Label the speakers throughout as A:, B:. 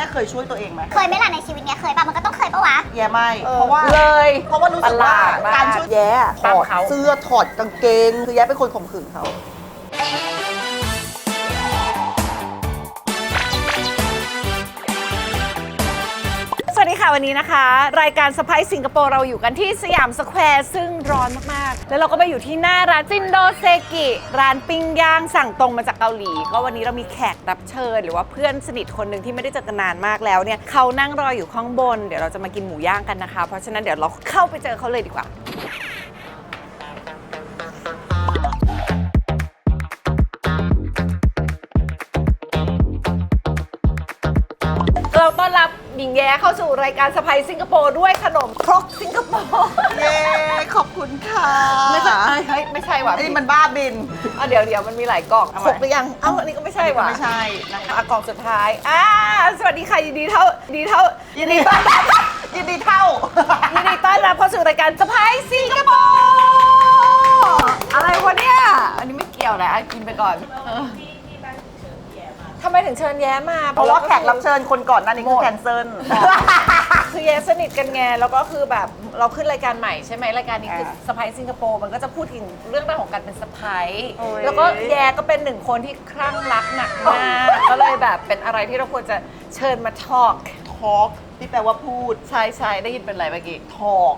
A: เคยช่วยตัวเองไหม
B: เคยไหมล่ะในชีวิตเนี้ยเคยป่ะมันก็ต้องเคยปะวะ
A: แย่ไม่เพราะว่ารู้สึกว่าการช่วยแย่ถอดเสื้อถอดกางเกงคือแย่เป็นคนข่มขืนเขา
C: สวัสดีค่ะวันนี้นะคะรายการสไปซ์สิงคโปร์เราอยู่กันที่สยามสแควร์ซึ่งร้อนมากๆแล้วเราก็ไปอยู่ที่หน้าร้านซินโดเซกิร้านปิ้งย่างสั่งตรงมาจากเกาหลีก็วันนี้เรามีแขกรับเชิญหรือว่าเพื่อนสนิทคนหนึ่งที่ไม่ได้เจอกันนานมากแล้วเนี่ยเขานั่งรออยู่ข้างบนเดี๋ยวเราจะมากินหมูย่างกันนะคะเพราะฉะนั้นเดี๋ยวเราเข้าไปเจอเขาเลยดีกว่าเราต้อนรับหญิงแย้เข้าสู่รายการสไปซ์สิงคโปร์ด้วยขนมครกสิงคโปร์
A: เย้ขอบคุณค่ะ
C: ไม่ใช่ไม่ใช่ว่ะ
A: นี่มันบ้าบิน
C: เดี๋ยวมันมีหลายกล่องครกหรือยังอันนี้ก็ไม่ใช่ว่ะ
A: ไม่ใช่นะคะ
C: กล่องสุดท้ายสวัสดีค่ะยินดีต้อนรับยินดีต้อนรับเข้าสู่รายการสไปซ์สิงคโปร์อะไรวะเนี่ยอันนี้ไม่เกี่ยวนะกินไปก่อนทำไมถึงเชิญแย้มา
A: เพราะว่าแขกรับเชิญคนก่อนหน้านี้คือแคนเซิล
C: คือแย้สนิทกันไงแล้วก็คือแบบเราขึ้นรายการใหม่ใช่ไหมรายการนี้คือสไปซ์สิงคโปร์มันก็จะพูดถึงเรื่องราวของการเป็นสไปซ์แล้วก็แย้ก็เป็นหนึ่งคนที่คลั่งรักหนักมากก็เลยแบบเป็นอะไรที่เราควรจะเชิญมาทอล์ก
A: ที่แปลว่าพูด
C: ใช่ได้ยินเป็นอะไรเมื่อกี้
A: ทอล์ก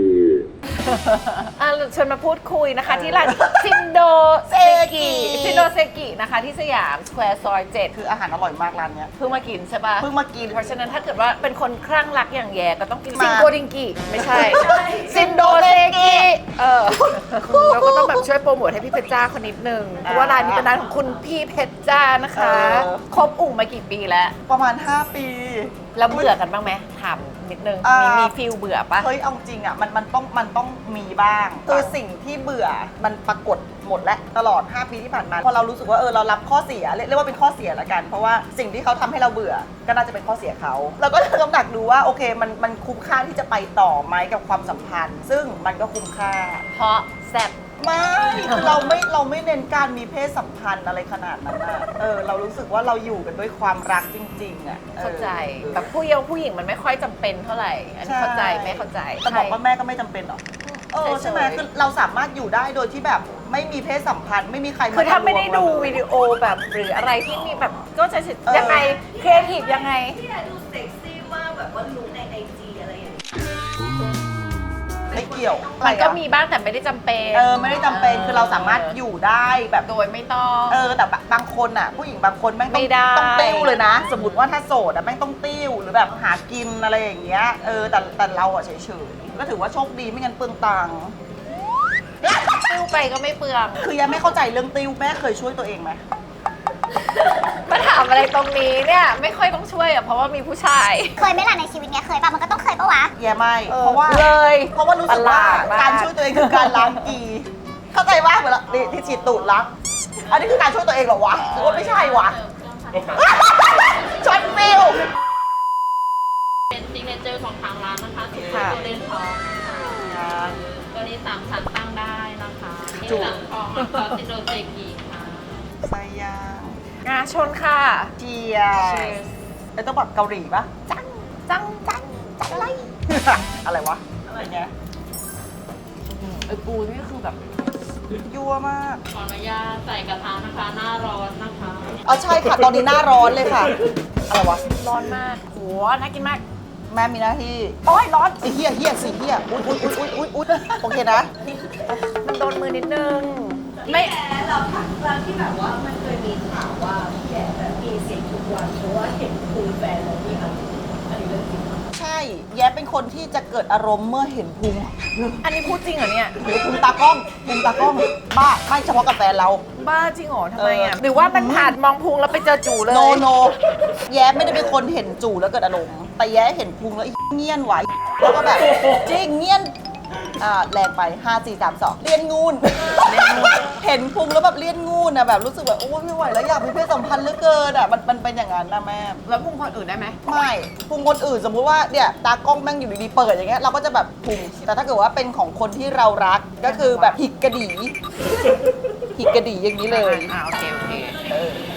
C: เชิญมาพูดคุยนะคะที่ร้านซินโดเซกินะคะที่สยามสแควร์ซอย7
A: คืออาหารอร่อยมากร้านเนี้ย
C: เพิ่งมากินใช่ป่ะ
A: เพิ่งมากิน
C: เพราะฉะนั้นถ้าเกิดว่าเป็นคนคลั่งรักอย่างแย่ก็ต้องกินซินโกดิงกิไม่ใช่ซินโดเซกิเราก็ต้องแบบช่วยโปรโมทให้พี่เพชรจ้าคนนิดนึงเพราะว่าร้านนี้เป็นร้านของคุณพี่เพชรจ้านะคะคบอุ่งมากี่ปีแล้ว
A: ประมาณ5 ปี
C: แล้วเบื่อกันบ้างไหมถามนิดนึงมีฟีลเบื่อปะ
A: เฮ้ยเอาจริงอ่ะมันต้องมีบ้างคือสิ่งที่เบื่อมันปรากฏหมดแล้วตลอด5 ปีที่ผ่านมาพอเรารู้สึกว่าเรารับข้อเสียเรียกว่าเป็นข้อเสียละกันเพราะว่าสิ่งที่เขาทำให้เราเบื่อก็น่าจะเป็นข้อเสียเขาเราก็กำหนักดูว่าโอเคมันคุ้มค่าที่จะไปต่อไหมกับความสัมพันธ์ซึ่งมันก็คุ้มค่า
C: เพราะแซ่บ
A: ไม่คือเราไม่เน้นการมีเพศสัมพันธ์อะไรขนาดนั้นนะเรารู้สึกว่าเราอยู่กันด้วยความรักจริงๆอ่ะ
C: เข้าใจแบบผู้หญิงมันไม่ค่อยจำเป็นเท่าไหร่อันนี้เข้าใจไม่เข้าใจ
A: แต่บอกว่าแม่ก็ไม่จำเป็นหรอกใช่ไหมคือเราสามารถอยู่ได้โดยที่แบบไม่มีเพศสัมพันธ์ไม่มีใคร
C: คือถ้าไม่ได้ดูวิดีโอแบบหรืออะไรที่มีแบบก็จะยังไงครีเอทีฟยังไง
B: ที่ดูเซ็กซี่มากแบบว่าลุคในIGอะไรอย่างเงี้ย
A: ไม่เกี่ยว
C: มันก็มีบ้างแต่ไม่ได้จำเป็น
A: ไม่ได้จำเป็นคือเราสามารถอยู่ได้แบบ
C: โดยไม่ต้อง
A: แต่บางคนอ่ะผู้หญิงบางคนแม่งต้องติ้วเลยนะสมมติว่าถ้าโสดอ่ะแม่งต้องติ้วหรือแบบหากินอะไรอย่างเงี้ยแต่เราอ่ะเฉยๆก็ถือว่าโชคดีไม่งั้นเปลืองตังค์
C: ติ้วไปก็ไม่เปลือง
A: คือยังไม่เข้าใจเรื่องติ้วแม่เคยช่วยตัวเองไหม
C: มาถามอะไรตรงนี้เนี่ยไม่ค่อยต้องช่วยอ่ะเพราะว่ามีผู้ชาย
B: เคยไหมล่ะในชีวิตเนี้ยเคยป่ะมันก็ต้องเคยปะวะ
A: แย่ไม่เพราะว่ารู้สึกว่าการช่วยตัวเองคือการล้างกีเข้าใจว่าเหมือนที่ฉีดตูดล้างอันนี้คือการช่วยตัวเองเหรอวะหรือว่าไม่ใช่วะช็อตฟิล
D: เป็นซิกเนเจอร์ของทางร้านนะคะสูตรโกลเด้นทองตัวนี้3 ชั้นตั้งได้นะคะนี่หลังทองซอสซินโดเซกิค่ะ
A: ไส้ย่าง
C: ชนค่ะ
A: เจียต้องแบบเกาหลีปะ
C: จังอะไร
A: อะไรวะอะไรเงี้ย
C: ปูนี่คือแบบ
A: ยั่วมาก
D: ขออนุญาตใส่กระทะนะคะหน้าร้อนนะคะ
A: ใช่ค่ะตอนนี้หน้าร้อนเลยค่ะอะไรวะ
C: ร้อนมากโหน่ากินมาก
A: แม่มีหน้าที่
C: โอ้ยร้อน
A: เฮียอุ๊ยโอเคนะ
C: มันโดนมือนิดนึง
B: ไม่เราที่แบบว่ามันเคยมีข่าวว่าพี่แย่แบบมีเสียงทุกวันเพราะว่าเห็นคุยแฟนเราที่อันนี้เรื่องจริง
A: ใช่แย้เป็นคนที่จะเกิดอารมณ์เมื่อเห็นพุง
C: อันนี้พูดจริงเหรอเนี่ย
A: หรือพุงตากล้องบ้าไม่เฉพาะกับแฟนเรา
C: บ้าจริงเหรอทำไมอ่ะหรือว่ามันผ่านมองพุงแล้วไปเจอจู่เลย
A: โนแย้ไม่ได้เป็นคนเห็นจู่แล้วเกิดอารมณ์แต่แย้เห็นพุงแล้วเงี้ยนไหวแล้วก็แบบจริงเงี้ยนแรงไป5 4 3 2เลียนงูนเห็นพุงแล้วแบบเลียนงูนแบบรู้สึกแบบโอ้ไม่ไหวแล้วอยากมีเพศสัมพันธ์เหลือเกินมันเป็นอย่างนั้นนะแม่
C: แล้วพุงคนอื่นได้ไหม
A: ไม่พุงคนอื่นสมมุติว่าเนี่ยตากล้องแม่งอยู่ดีๆเปิดอย่างเงี้ยเราก็จะแบบพุงแต่ถ้าเกิดว่าเป็นของคนที่เรารักก็คือแบบหิกกระดี่อย่างนี้เลย
C: โอเค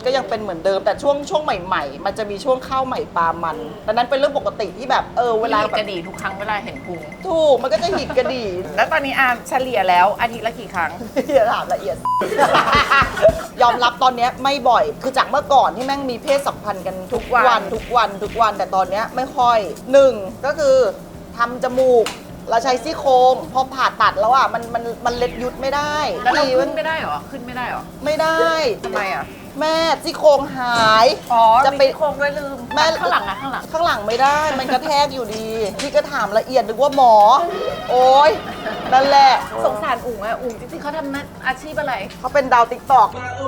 A: ก็ยังเป็นเหมือนเดิมแต่ช่วงใหม่ๆ มันจะมีช่วงข้าวใหม่ปลามันดังนั้นเป็นเรื่องปกติที่แบบเวลา
C: หิด
A: แบบ
C: กระดีทุกครั้งเวลาเห็นพุง
A: ถูกมันก็จะหิดกระดี่
C: แล้วตอนนี้เฉลี่ยแล้วอาทิตย์ละกี่ครั้ง
A: อย่าถามละเอียด ยอมรับตอนเนี้ยไม่บ่อยคือจากเมื่อก่อนที่แม่งมีเพศสัมพันธ์กันทุกวันแต่ตอนเนี้ยไม่ค่อยหนึ่งก็คือทำจมูกเราใช้ซี่โครงพอผ่าตัดแล้วอ่ะมันเล็ดยุดไม่ได้
C: แล้วเรา
A: ดี
C: ขึ้นไม่ได้เหรอ ขึ้นไม่ได้เหรอ
A: ไม่ได้
C: ทำไมอ่ะ
A: แม่ซี่โครงหาย
C: อ๋อ
A: จะ
C: จะ
A: ไป
C: ไปโครงด้วยลืม
A: แม่
C: ข้างหลังอะข้างหลัง
A: ข้างหลังไม่ได้ มันกระแทกอยู่ดี พี่ก็ถามละเอียดนึกว่าหมอ โอ๊ยนั่นแหละ
C: สงสารอุ๋งอะอุ๋งจริงๆเขาทำอาชีพอะไร
A: เขาเป็นดาวติ๊กตอก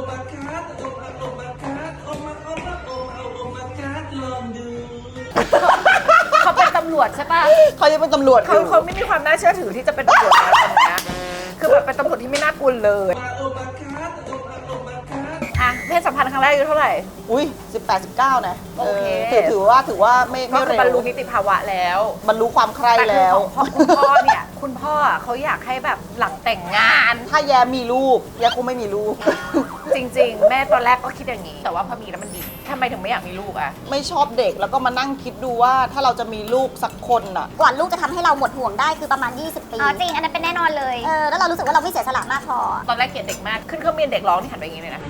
C: เขาเป็นตำรวจใช่ปะ
A: เขาจะเป็นตำรวจอ
C: เขา
A: ยู่
C: เขาไม่มีความน่าเชื่อถือที่จะเป็นตำรวจแล้วตอนเนี้ยคือแบบเป็นตำรวจที่ไม่น่ากลัวเลยอ่ะเพศสัมพันธ์ครั้งแรกอายุเท่าไหร่
A: อุ้ย18-19 นะ
C: โอเค
A: ถือว่าไม่
C: ก็คือบรรลุ
A: เร็ว
C: นิติภาวะแล้ว
A: บรรลุความใคร่
C: แต่คือ
A: แล้ว
C: ของคุณพ่อเนี่ยคุณพ่อเขาอยากให้แบบหลังแต่งงาน
A: ถ้าแย้มีลูกแย้คงไม่มีลูก
C: จริงๆ แม่ตอนแรกก็คิดอย่างนี้ แต่ว่าพอมีแล้วมันดีทำไมถึงไม่อยากมีลูกอะ
A: ไม่ชอบเด็กแล้วก็มานั่งคิดดูว่าถ้าเราจะมีลูกสักคนน่ะ
E: กว่าลูกจะทำให้เราหมดห่วงได้คือประมาณ 20 ปี
B: อ๋อจริงอันนั้นเป็นแน่นอนเลย
E: แล้วเรารู้สึกว่าเราไม่เสียสละมากพอ
C: ตอนแรกเกลียดเด็กมากขึ้นเครื่องบินเด็กร้องนี่หันไปอย่างนี้เลยนะ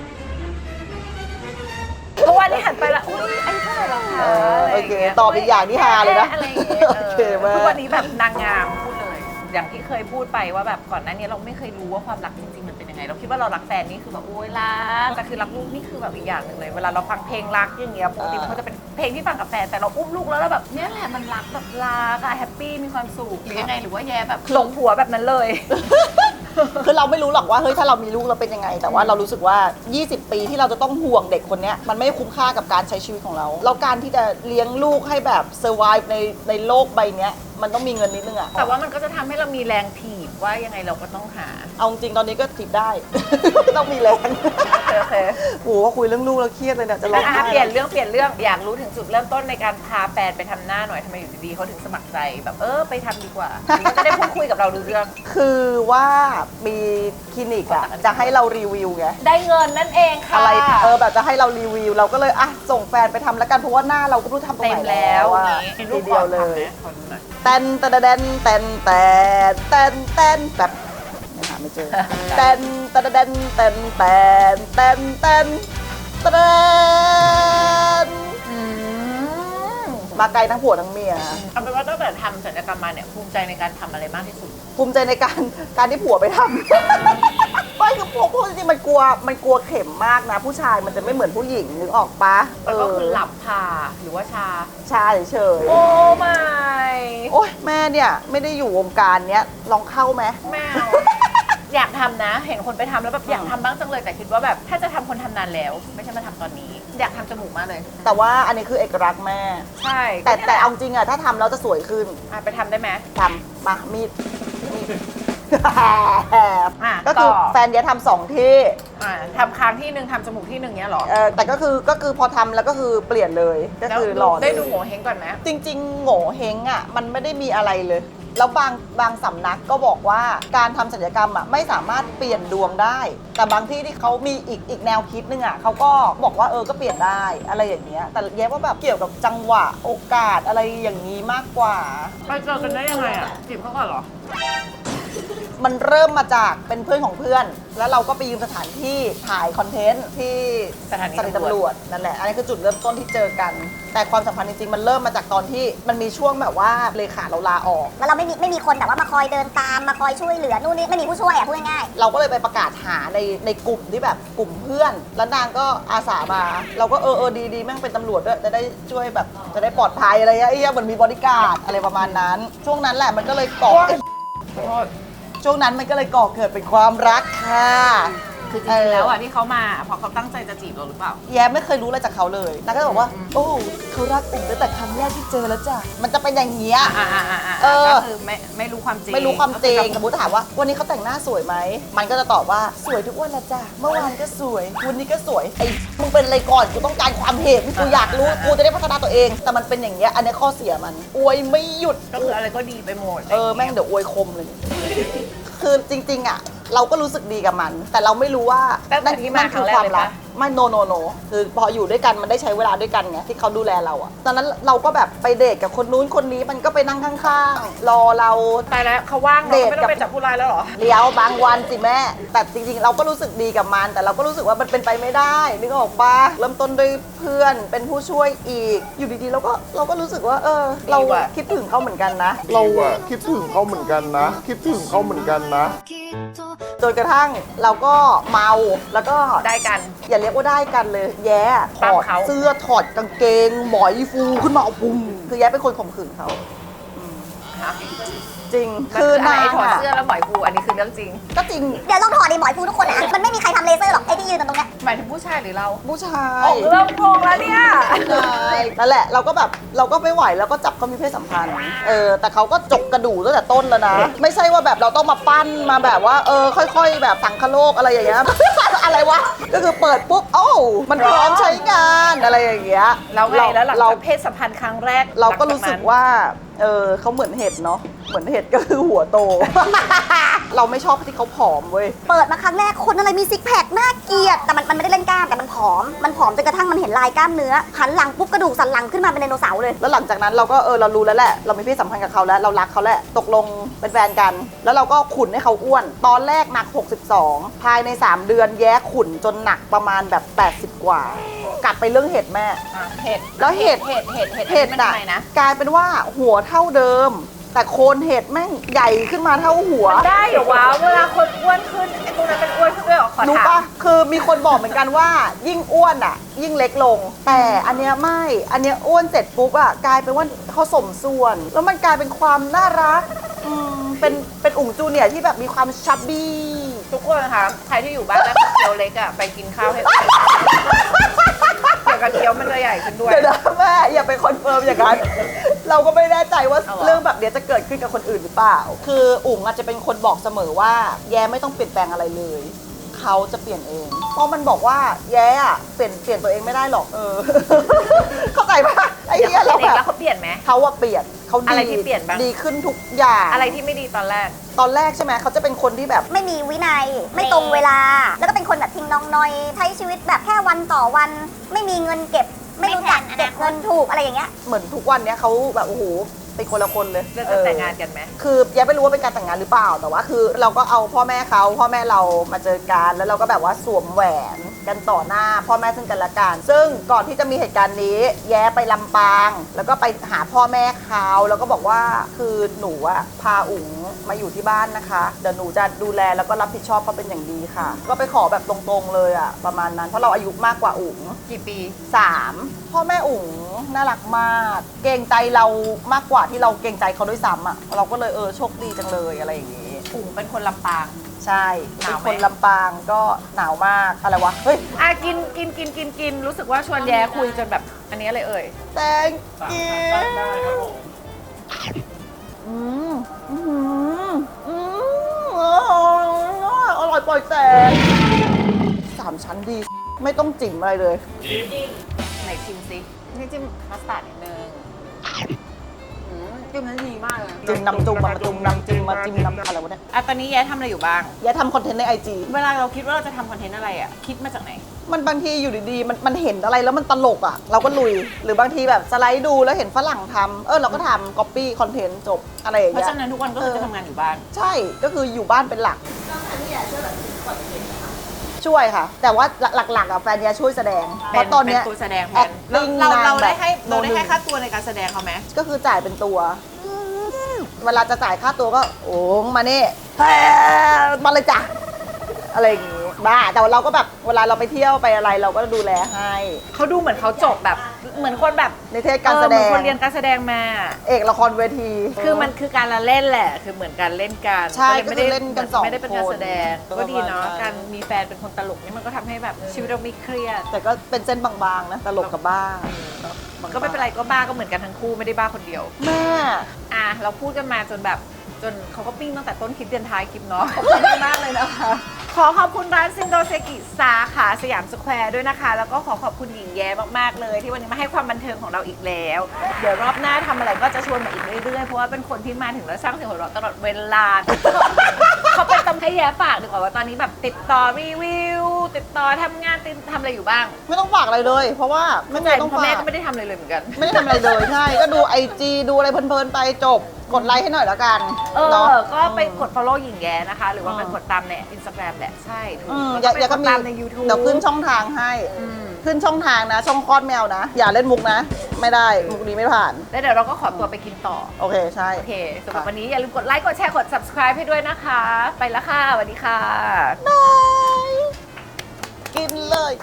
C: เพราะว่านี่หันไปแล้วอุ้ยไอ้เท่าไหร่แล้วคะ
A: โอเคตอบอีกอย่างที่ฮาเลยนะ
C: อะไรอย่างเงี้ย
A: โอเคมาก
C: ทุกวันนี้แบบนางงามพูดเลย อย่างที่เคยพูดไปว่าแบบก่อนหน้านี้เราไม่เคยรู้ว่าความรักจริงๆมันเป็นยังไง เราคิดว่าเรารักแฟนนี่คือแบบโอ๊ยรักแต่คือรักลูกนี่คือแบบอีกอย่างหนึ่งเลย เวลาเราฟังเพลงรักอย่างเงี้ยปกติมันก็จะเป็นเพลงที่ฟังกับแฟนแต่เราอุ้มลูกแล้วเราแบบเนี่ยแหละมันรักแบบรักอะแฮปปี้มีความสุขหรือยังไงหรือว่าแย่แบบหลงผัวแบบนั้นเลย
A: คือเราไม่รู้หรอกว่าเฮ้ยถ้าเรามีลูกเราเป็นยังไง แต่ว่าเรารู้สึกว่า 20 ปีที่เราจะต้องห่วงเด็กคนเนี้ยมันไม่คุ้มค่ากับการใช้ชีวิตของเราแล้วการที่จะเลี้ยงลูกให้แบบเซอร์ไวฟ์ในโลกใบเนี้ยมันต้องมีเงินนิดนึงอะ
C: แต่ว่ามันก็จะทำให้เรามีแรงถีบว่ายังไงเราก็ต้องหา
A: เอาจริงตอนนี้ก็ถีบได้ ต้องมีแรง
C: โอเค
A: โอ้โหว่าคุยเรื่องลูกแล้วเครียดเลยเนี่ยจะร้องไห้
C: เปลี่ยนเรื่องอยากรู้ถึงจุดเริ่มต้นในการพาแฟนไปทำหน้าหน่อยทำไมอยู่ดีๆเขาถึงสมัครใจแบบไปทำดีกว่านี่ก็จะได้พูดคุยกับเราดูเรื่อง
A: คือว่ามีคลินิกอะจะให้เรารีวิวไง
C: ได้เงินนั่นเองค่ะ
A: อะไรแบบจะให้เรารีวิวเราก็เลยส่งแฟนไปทำแล้วกันเพราะว่าหน้าเราก็ไม่รู้ทำตรง
C: เต็
A: ไห
C: ม
A: น
C: แล้ว
A: อะ
C: นี่
A: ทีเดียวเลย
C: ขอดูหน่อย
A: แตนแตนแตนแตนแตนแตนแตนแบบหาไม่เจอแตนแตนแตนแตนแตนแตนแตนแตน
C: อืม
A: มาไกลทั้งผัวทั้งเมีย
C: เอาเป็นว่าตั้งแต่ทำศัลยกรรมมาเนี่ยภูมิใจในการทำอะไรมากที่สุด
A: ภูมิใจในการที่ผัวไปทำ ไม่คือพวกจริงๆมันกลัวเข็มมากนะ ผู้ชายมันจะไม่เหมือนผู้หญิงนึกออกปะ
C: แล้วก็คือหลับผ่าหรือว่าชา
A: ชาเฉย
C: โอ้ไม่
A: ๆโอ๊ยแม่เนี่ยไม่ได้อยู่วงการเนี้ยลองเข้าไหม
C: แมว อยากทำนะ เห็นคนไปทำแล้วแบบอยากทำบ้างจังเลยแต่คิดว่าแบบถ้าจะทำคนทำนานแล้ว ไม่ใช่มาทำตอนนี้ อยากทำจมูกมากเลย
A: แต่ว่าอันนี้คือเอกลักษณ์แม่
C: ใช่
A: แต่เอาจริงอะถ้าทำแล้วจะสวยขึ้น
C: ไปทำได้ไหม
A: ทำมามีด
C: ก็
A: ก็คือแฟนเดียทำสองที่
C: ทำค้างที่หนึ่งทำจมูกที่หนึ่งเนี้ยเหรอ
A: แต่ก็คือพอทำแล้วก็คือเปลี่ยนเลยก็
C: แล้ว
A: คือหล่อเลย
C: ได้ดูโง่เฮงก่อนไหม
A: จริงๆโง่เฮงอ่ะมันไม่ได้มีอะไรเลย แล้วบางสำนักก็บอกว่าการทำศัลยกรรมอ่ะไม่สามารถเปลี่ยนดวงได้ แต่บางที่ที่เขามีอีกแนวคิดนึงอ่ะเขาก็บอกว่าก็เปลี่ยนได้อะไรอย่างเงี้ยแต่แย้ว่าแบบเกี่ยวกับจังหวะโอกาสอะไรอย่างนี้มากกว่า
C: ไปเจอกันได้ยังไงอ่ะจีบเขาก่อนเหรอ
A: มันเริ่มมาจากเป็นเพื่อนของเพื่อน แล้วเราก็ไปยืมสถานที่ถ่ายคอนเทนต์ที่
C: สถานี
A: ตำรวจนั่นแหละ อันนี้คือจุดเริ่มต้นที่เจอกัน แต่ความสัมพันธ์จริงๆมันเริ่มมาจากตอนที่มันมีช่วงแบบว่าเลขาเราลาออก
E: แล้วเราไม่มีคนแบบว่ามาคอยเดินตามมาคอยช่วยเหลือนู่นนี่ไม่มีผู้ช่วยพูดง่าย
A: เราก็เลยไปประกาศหาในกลุ่มที่แบบกลุ่มเพื่อน แล้วนางก็อาสามา เราก็ดีแม่งเป็นตำรวจด้วยจะได้ช่วยแบบจะได้ปลอดภัยอะไรเงี้ยเหมือนมีบริการดอะไรประมาณนั้น ช่วงนั้นแหละมันก็เลยก่อ ช่วงนั้นมันก็เลยก่อเกิดเป็นความรักค่ะ
C: คือจริงๆแล้วอ่ะที่เขามาเพราะเขาตั้งใจจะจีบเราหรือเปล่า
A: แย้ไม่เคยรู้อะไรจากเขาเลยนางก็จะบอกว่า โอ้เขารักอุ่มตั้งแต่ครั้งแรกที่เจอแล้วจ้ะมันจะเป็นอย่างเงี้ย
C: ก็คือไม่รู้ความจริง
A: ไม่รู้ความจริง
C: ก็
A: ส
C: คือ
A: มมติถามว่าวันนี้เขาแต่งหน้าสวยไหมมันก็จะตอบว่าสวยทุกวันละจ้ะเมื่อวานก็สวยวันนี้ก็สวยไอ้มึงเป็นอะไรก่อนกูต้องการความเห็นกูอยากรู้กูจะได้พัฒนาตัวเอง แต่มันเป็นอย่างเงี้ยอันนี้ข้อเสียมันอวยไม่หยุด
C: ก็คืออะไรก็ดีไปหมด
A: แม่งเดี๋ยวอวยคมเลย คือจริงๆอ่ะเราก็รู้สึกดีกับมัน แต่เราไม่รู้ว่า
C: ตั้งแต่ที่มา
A: นั่น
C: ครั้งแรกเลยปะ
A: ไม่โนคือพออยู่ด้วยกันมันได้ใช้เวลาด้วยกันไงที่เขาดูแลเราอะตอนนั้นเราก็แบบไปเดทกับคนนู้นคนนี้มันก็ไปนั่งข้างๆรอเรา
C: ตายแล้วเขาว่างเราไม่ต้องไปจับผู้ร้ายแล้วเหรอ
A: เดี๋ยวบางวันสิแม่แต่จริงๆเราก็รู้สึกดีกับมันแต่เราก็รู้สึกว่ามันเป็นไปไม่ได้นึกออกปะเริ่มต้นด้วยเพื่อนเป็นผู้ช่วยอีกอยู่ดีๆเราก็รู้สึกว่าเรา
C: ดีว่ะ
A: คิดถึงเขาเหมือนกันนะ
F: เราอะคิดถึงเขาเหมือนกันนะ คิดถึงเขาเหมือนกันนะ
A: จนกระทั่งเราก็เมาแล้วก็
C: ได้กัน
A: อย่าเรียกว่าได้กันเลย แย่ถ
C: ปั้ม
A: อด
C: เขา
A: เสื้อถอดกางเกงหมอยฟูขึ้นมาเอาปุ้มคือแย่เป็นคนข่มขืนเขาจริง
C: คืออะไร
A: นาง
C: ถอด
A: อะ
C: เสื้อแล้วหมอยกูอันนี้คือเรื่องจริง
A: ก็จริง
E: เดี๋ยวลองถอดดิหมอยฟูทุกคนนะมันไม่มีใครทำเลเซอร์หรอกไอ้ที่ยืนตรงเนี้ย
C: หมายถึงผู้ชายหรือเรา
A: ผู้ชา
C: อย อกเริ่มโกงแล้วเนี่ย
A: ใช่นั่นแหละเราก็แบบเราก็ไม่ไหวแล้วก็จับเขามีเพศสัมพันธ์แต่เขาก็จกกระดูกตั้งแต่ต้นแล้วนะ ไม่ใช่ว่าแบบเราต้องมาปั้นมาแบบว่าค่อยๆ แบบสังคโลกอะไรอย่างเงี้ย อะไรวะก็คือเปิดปุ๊บโอ้มันพร้อมใช้งานอะไรอย่างเงี้ย
C: แล้วไงแล้วหลัง
A: เรา
C: จากเพศสัมพันธ์ครั้งแรก
A: เราก็รู้
C: หลังจ
A: สึก
C: นั้น
A: ว่าเขาเหมือนเห็ดเนาะเหมือนเห็ดก็คือหัวโต เราไม่ชอบที่เขาผอมเว้ย
E: เปิดมาครั้งแรกคนอะไรมีซิกแพคน่าเกลียดแต่มันไม่ได้เล่นกล้ามแต่มันผอมจนกระทั่งมันเห็นลายกล้ามเนื้อหันหลังปุ๊บกระดูกสันหลังขึ้นมาเป็นไดโนเสาร์เลย
A: แล้วหลังจากนั้นเราก็เรารู้แล้วแหละเรามีเพศสัมพันธ์กับเขาแล้วเรารักเขาแหละตกลงเป็นแฟนกัน แล้วเราก็ขุนให้เขาอ้วน ตอนแรกหนัก 62 ภายใน 3 เดือนแย้ขุนจนหนักประมาณแบบ 80 กว่า กลับไปเรื่องเห็ดแม่
C: เห็ด
A: แล้วเห็ด
C: เห็ด
A: เห็ด
C: มัน
A: อะ
C: ทำไมนะ
A: กลายเป็นว่าหัวเท่าเดิม แต่โคนเห็ดแม่งใหญ่ขึ้นมาเท่าหัว
C: ได้เหรอวะเวลาคนอ้วนขึ้นไอ้ตรงนั้นเป็นอ้วนขึ้นด้วยเหรอขอ
A: รู้
C: ถาม
A: ปะคือมีคนบอกเหมือนกันว่า ยิ่งอ้วนอ่ะ ยิ่งเล็กลง แต่อันเนี้ยไม่ อันเนี้ยอ้วนเสร็จปุ๊บอ่ะกลายเป็นว่าเขาสมส่วน แล้วมันกลายเป็นความน่ารักเป็นอุ๋งจูเนียร์ที่แบบมีความชับบี้
C: ทุกคนนะคะใครที่อยู่บ้านแล้วเคี้ยวเล็กอ่ะไปกินข้าวให้อ้วนเกี่ยวกับเคี้ยวมันจะใหญ่ขึ้นด้วย
A: เดี๋ยวนะแม่อย่าไปคอนเฟิร์มอย่างนั้น เราก็ไม่แน่ใจว่า
C: เอาเหรอ
A: เรื่องแบบเนี้ยจะเกิดขึ้นกับคนอื่นหรือเปล่า คืออุ๋งอาจจะเป็นคนบอกเสมอว่า แย้ไม่ต้องเปลี่ยนแปลงอะไรเลย เขาจะเปลี่ยนเอง เพราะมันบอกว่าแย้อะเปลี่ยนตัวเองไม่ได้หรอก เข้าใจปะไอ้
C: เดี๋ยว
A: เหี้ย
C: เขา
A: เรา
C: เปลี่ยนเอง
A: แบ
C: แล้ว
A: บ
C: เขาเปลี่ยนไหม
A: เขาว่าเปลี่ยนเขาดี
C: อะไรที่เปลี่ยนบ้าง
A: ดีขึ้นทุกอย่าง
C: อะไรที่ไม่ดีตอนแรก
A: ตอนแรกใช่ไหมเขาจะเป็นคนที่แบบ
E: ไม่มีวินัยไม่ตรงเวลา แล้วก็เป็นคนแบบทิ้งน้องนอยใช้ชีวิตแบบแค่วันต่อวัน ไม่มีเงินเก็บ ไม่รู้จักเก็บเงินถูกอะไรอย่างเงี้ย
A: เหมือนทุกวันเนี้ยเขาแบบโอ้โหเป็นคนละคนเลย
C: เรื่องจะแต่งงานกันไหม
A: คือแย้ไม่รู้ว่าเป็นการแต่งงานหรือเปล่า แต่ว่าคือเราก็เอาพ่อแม่เขาพ่อแม่เรามาเจอกันแล้วเราก็แบบว่าสวมแหวนกันต่อหน้าพ่อแม่ซึ่งกันและกันซึ่งก่อนที่จะมีเหตุการณ์นี้ แย้ไปลำปาง แล้วก็ไปหาพ่อแม่เขาแล้วก็บอกว่าคือหนูอะพาอุ๋งมาอยู่ที่บ้านนะคะเดี๋ยวหนูจะดูแลแล้วก็รับผิดชอบเขาเป็นอย่างดีค่ะ ก็ไปขอแบบตรงๆเลยอะประมาณนั้นเพราะเราอายุมากกว่าอุ๋ง
C: กี่ปี
A: 3 พ่อแม่อุ๋งน่ารักมาก เกรงใจเรามากกว่าที่เราเกรงใจเขาด้วยซ้ำอ่ะเราก็เลยโชคดีจังเลยอะไรอย่างงี้
C: อุ๋งเป็นคนลำปาง
A: ใช่
C: หนาวไหม
A: เป็นคนลำปางก็หนาวมากอะไรวะเฮ้ย
C: กินรู้สึกว่าชวนแย้คุยจนแบบอันนี้อะไรเอ่ย
A: thank you อืมอืมอืมอร่อยปล่อยแตก3 ชั้นดี ไม่ต้องจิ้มอะไรเลย
C: ไหนชิมซินี่จิ้มมัสตาร์ดนิดนึงจิ้มนั้นดีมากเลย
A: จิ้มน้ำจุ่มมาจุ่มน้ำจิ้มมาจิ้มน้ำอะไรวะเนี่ย
C: ตอนนี้แย้ทำอะไรอยู่บ้าง
A: อย่าทำคอนเทนต์ใน IG
C: เวลาเราคิดว่าเราจะทำคอนเทนต์อะไรอ่ะ คิดมาจากไหน
A: มันบางทีอยู่ดีๆมันเห็นอะไรแล้วมันตลกอ่ะ เราก็ลุย หรือบางทีแบบสไลด์ดูแล้วเห็นฝรั่งทำเราก็ทำ copy คอนเทนต์จบอะไรอย่าง
C: เพราะ
A: เงี้ย
C: ฉะนั้นทุกวันก็คือจะทำงานอยู่บ้าน
A: ใช่ก็คืออยู่บ้านเป็นหลักช่วยค่ะ แต่ว่าหลักๆอ่ะแฟนยาช่วยแสดงเพราะตอนเนี้ย
C: เป็นตัวแสดงแทน
A: acting
C: เราได้
A: นางแบบ
C: ให้
A: โนหนึ่ง
C: ค่าตัวในการแสดงเขาไหม
A: ก็คือจ่ายเป็นตัว เวลาจะจ่ายค่าตัวก็โอ้มาเน่มาเลยจ้ะอะไรอย่างงี้บ้าแต่ว่าเราก็แบบเวลาเราไปเที่ยวไปอะไรเราก็ดูแลให้
C: เขาดูเหมือนเขาจบแบบเหมือนคนแบบ
A: ในเทศการแสด
C: เหมือน
A: ง
C: คนเรียนการแสดงมา
A: เอกละครเวที
C: คือมันคือการละเล่นแหละ คือเหมือนการเล่นกัน
A: ใช่
C: ก็เลยไม่ได้
A: ก็คือเล่นกันสอง
C: ไม่ได้เป็นการแสดง
A: คน
C: ก็ดีเนาะ
A: ประมาณนั้น
C: การมีแฟนเป็นคนตลกนี่มันก็ทำให้แบบชีวิตเราไม่เครียด
A: แต่ก็เป็นเส้นบางๆนะตลกกับบ้า
C: ก็ไม่เป็นไรก็บ้าก็เหมือนกันทั้งคู่ไม่ได้บ้าคนเดียว
A: แม่
C: เราพูดกันมาจนแบบจนเขาก็ปิ้งตั้งแต่ต้นคลิปยันท้ายคลิปเนาะ ขอบคุณมากเลยนะคะ ขอขอบคุณร้านซินโดเซกิสาขาสยามสแควร์ด้วยนะคะ แล้วก็ขอขอบคุณหญิงแย้มากๆเลย ที่วันนี้มาให้ความบันเทิงของเราอีกแล้ว เดี๋ยวรอบหน้าทำอะไรก็จะชวนมาอีกเรื่อยๆ เพราะว่าเป็นคนที่มาถึงแล้วสร้างเสียงหัวเราะตลอดเวลา เขาเป็นต้องให้แย้ฝากดีกว่าว่าตอนนี้แบบติดต่อรีวิว ติดต่อทำงานทำอะไรอยู่บ้าง
A: ไม่ต้องฝากอะไรเลย เพราะว่าไม่
C: ไม่
A: เค
C: ใช่
A: ยต้อง
C: พ่อ
A: ฝา
C: แม่
A: ก
C: ก็ไม่ได้ทำอะไรเลยเหมือนกัน
A: ไม่ได้ทำอะไรเลยใช่ก็ดู IG ดูอะไรเพลินๆไปจบกดไลค์ให้หน่อยแล้วกัน
C: เนาะ
A: เนาะ
C: ก็ไปกด follow หญิงแย้นะคะ หรือว่าไปกดตามใน Instagram แหละใช่ถูก
A: อย่า
C: แล้ว
A: ก็
C: ไป
A: มี
C: ตามใน YouTube
A: เดี๋ยวขึ้นช่องทางให้
C: อืม
A: ขึ้นช่องทางนะ ช่องคลอดแมวนะ อย่าเล่นมุกนะ ไม่ได้มุกนี้ไม่ผ่าน
C: แล้วเดี๋ยวเราก็ขอตัวไปกินต่อ
A: โอเคใช่
C: โอเคสำหรับวันนี้อย่าลืมกดไลค์ กดแชร์ กด subscribe ให้ด้วยนะคะ ไปละค่ะสวัสดีค่ะ
A: กินเลย